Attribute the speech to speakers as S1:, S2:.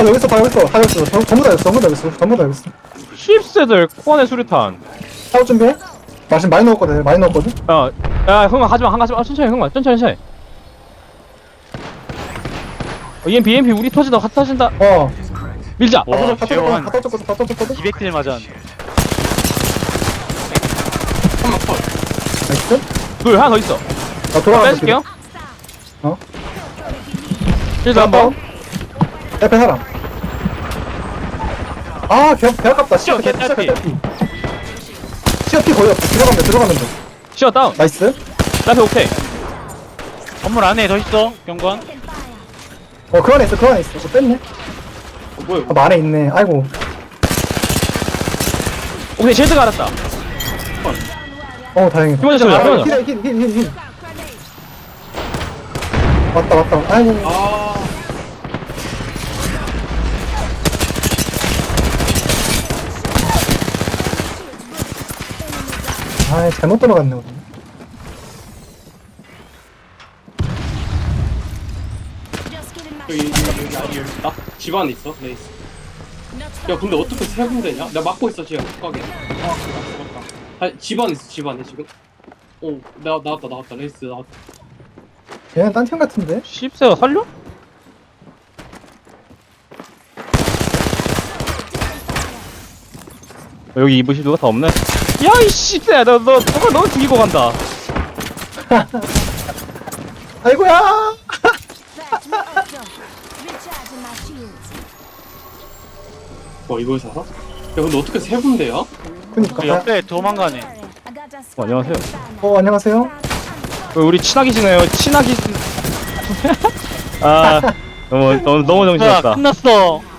S1: 여기 있어, 다 여기 있어, 다 여기 있어. 전부 다 여기 있어, 전부 다 여기 있어, 전부 다 여기 있어.
S2: 씹새들 코안에 수류탄.
S1: 싸울 준비해? 나 지금 많이 넣었거든, 많이 넣었거든?
S2: 야 흥아 가지마 천천히 흥아 천천히 EMP 우리 터진다 같이 터진다. 밀자.
S3: 와,
S1: 다
S3: 재원.
S1: 터졌거든, 다 터졌거든?
S3: 200킬 맞았는데.
S4: 한번 컷.
S1: 나이스?
S2: 둘 하나 더 있어.
S1: 나 돌아가서
S2: 빼줄게요.
S1: 어?
S2: 실드 한번.
S1: 옆에 사람. 아, 개 아깝다.
S3: 시어, 개 딸피.
S1: 시어 피 거의 없어. 들어가면 돼.
S2: 시어 다운.
S1: 나이스.
S2: 나한테 오케이.
S3: 건물 안에 더 있어, 경관.
S1: 그 안에 있어, 그거 뺐네.
S4: 뭐야
S1: 아,
S4: 이거?
S1: 뭐 안에 있네. 아이고.
S2: 오케이 실드가 알았다.
S1: 다행이다.
S2: 힘어졌어 힘어졌어.
S1: 힐. 왔다. 아이고.
S4: 아
S1: 잘못 들어갔네, 우리.
S4: 여기 아니 여기 나 집 안에 있어 레이스. 야 근데 어떻게 세 군데냐? 나 막고 있어 지금 가게. 아 죽었다. 집 안에 있어 집 안에 지금. 나왔다 레이스 나왔다.
S1: 얘는 딴 팀 같은데?
S2: 씹새가 살려? 여기 입으실 누가 다 없네? 야이 씹새야 너가 죽이고 간다.
S1: 아이고야!
S4: 이걸 살아? 야 근데 어떻게 세 군데야?
S1: 그니까.
S3: 그 옆에 도망가네.
S2: 안녕하세요.
S1: 안녕하세요.
S2: 우리 친하게 지내요. 친하게. 아 너무
S3: 야,
S2: 정신없다.
S3: 끝났어.